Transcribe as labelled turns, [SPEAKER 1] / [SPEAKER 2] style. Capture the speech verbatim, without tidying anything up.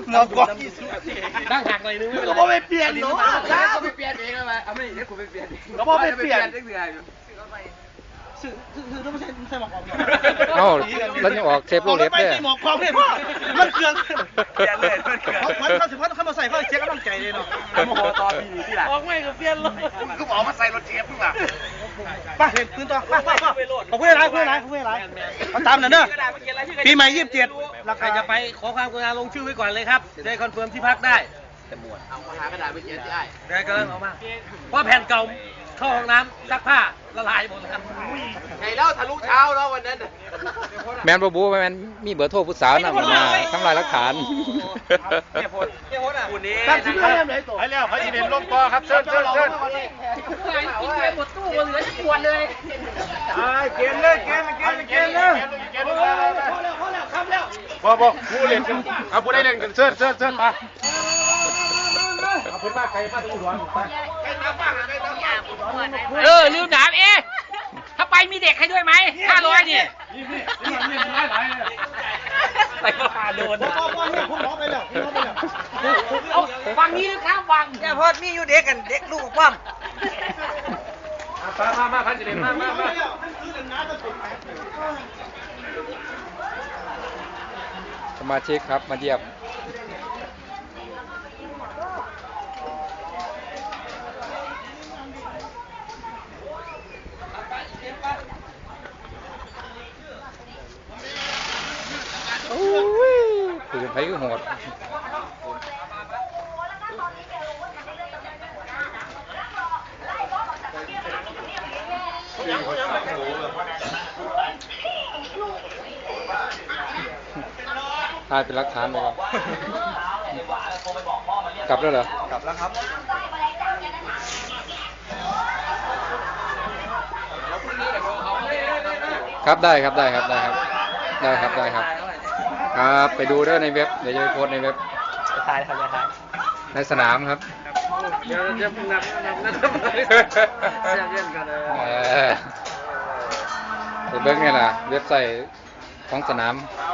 [SPEAKER 1] หมอกกอง
[SPEAKER 2] นั่งหักเลยนึงไม่เป็นไร
[SPEAKER 1] ก็ไม่เปลี่ยนเนาะ
[SPEAKER 2] ก็ไม่เปลี่ยนเองเลยเอาไม่เดี๋ยวกูไปเปลี่ยน
[SPEAKER 1] ก็ไม่เปลี่ยน
[SPEAKER 3] ซื้อซื้อต้องไม่ใช่ใส่หมอกกอง
[SPEAKER 4] เอ้าแล้วยังออกเทปโลเล็บเนี่ย
[SPEAKER 1] ไม่ใช่หมอกกองเนี่ยพ่อมันเครื่อง
[SPEAKER 2] เปลี่ยนเลยเปลี่ยน
[SPEAKER 1] เขาเขาสิเขามาใส่เขาเช็คกำลังใจเลยเนาะ
[SPEAKER 2] โมโหตอปีนี้ที่หลัง
[SPEAKER 3] ออกไม่ก็เปลี่ยนเลย
[SPEAKER 1] ก็บอกมาใส่รถเจี๊ยบมึงอ่ะไปเห็นปืนต่อไปไปไปขอบคุณอะไรขอบคุณอะไรขอบคุณอะไรมาตามหน่อยเด้อปีใหม่ยี่สิบเจ็ดรา
[SPEAKER 3] ใคร
[SPEAKER 1] คา
[SPEAKER 3] จะไปขอความกรุณาลงชื่อไว้ก่อนเลยครับได้คอนเฟิร์มที่พักได้
[SPEAKER 2] เอาหากระดาษไปเขียนได้
[SPEAKER 3] ได้ก็เอามาเพราะแผ่นเก่าเข้าห้องน้ำซักผ้าละลายหมดแล้ว
[SPEAKER 2] ไงเล่าทะลุเช้าแล้ววันนั้น
[SPEAKER 4] แมนบูบูแมนมีเบอร์โทรผู้สาวนั่นมาทำลายหลักฐาน
[SPEAKER 2] เนี่ยพลเนี่ยพลอ่ะคุณนี้
[SPEAKER 1] ตัดชิ้นเรื่องไหนตัว
[SPEAKER 5] ไปแล้วพระสิเดนลงต่อครับเชิญเชิญเชิญ
[SPEAKER 3] กินไปหมดตู้เหลือจะปวดเลย
[SPEAKER 5] เกมเลยเกมเกมเกมเลยบอกบอกผู้เล่นเอาผู้ได้เล่นกันเชิญเชิญเชิญมาเอาคนมาใครมาตรงหัวไป
[SPEAKER 3] เออลืมถามเอ๊ะถ้าไปมีเด็กให้ด้วยไหมห้าร้อยนี่
[SPEAKER 5] นี่นี่นี่มันนี่หลายหลายเลย
[SPEAKER 3] ไปมาโดน
[SPEAKER 1] พ่อพ่อเนี่ยผมร้องไปแล้วผมร้องไปแล้ว
[SPEAKER 3] เอาฟังนี้นะครับฟังอย่าพอดมีอยู่เด็กกันเด็กลูกความ
[SPEAKER 5] มามามาพระสิเดนมามามา
[SPEAKER 4] สมาชิกครับมาเยี่ยมโอ้ยปืนไฟก็โหดถ่ายเป็นหลักฐานเลยครับกลับแล้วเหรอกลับแล้วครับครับได้ครับได้ครับได้ครับได้ครับได้ครับครับไปดูด้วยในเว็บเดี๋ยวจะไปโพสในเว็บ
[SPEAKER 3] จะทายครับจะทาย
[SPEAKER 4] ในสนามครับ
[SPEAKER 2] เดี๋ยวจะนับนับนับจะเล่นกันเลย
[SPEAKER 4] เออไปเบิ้งนี่แหละเว็บไซต์ของสนาม
[SPEAKER 2] เ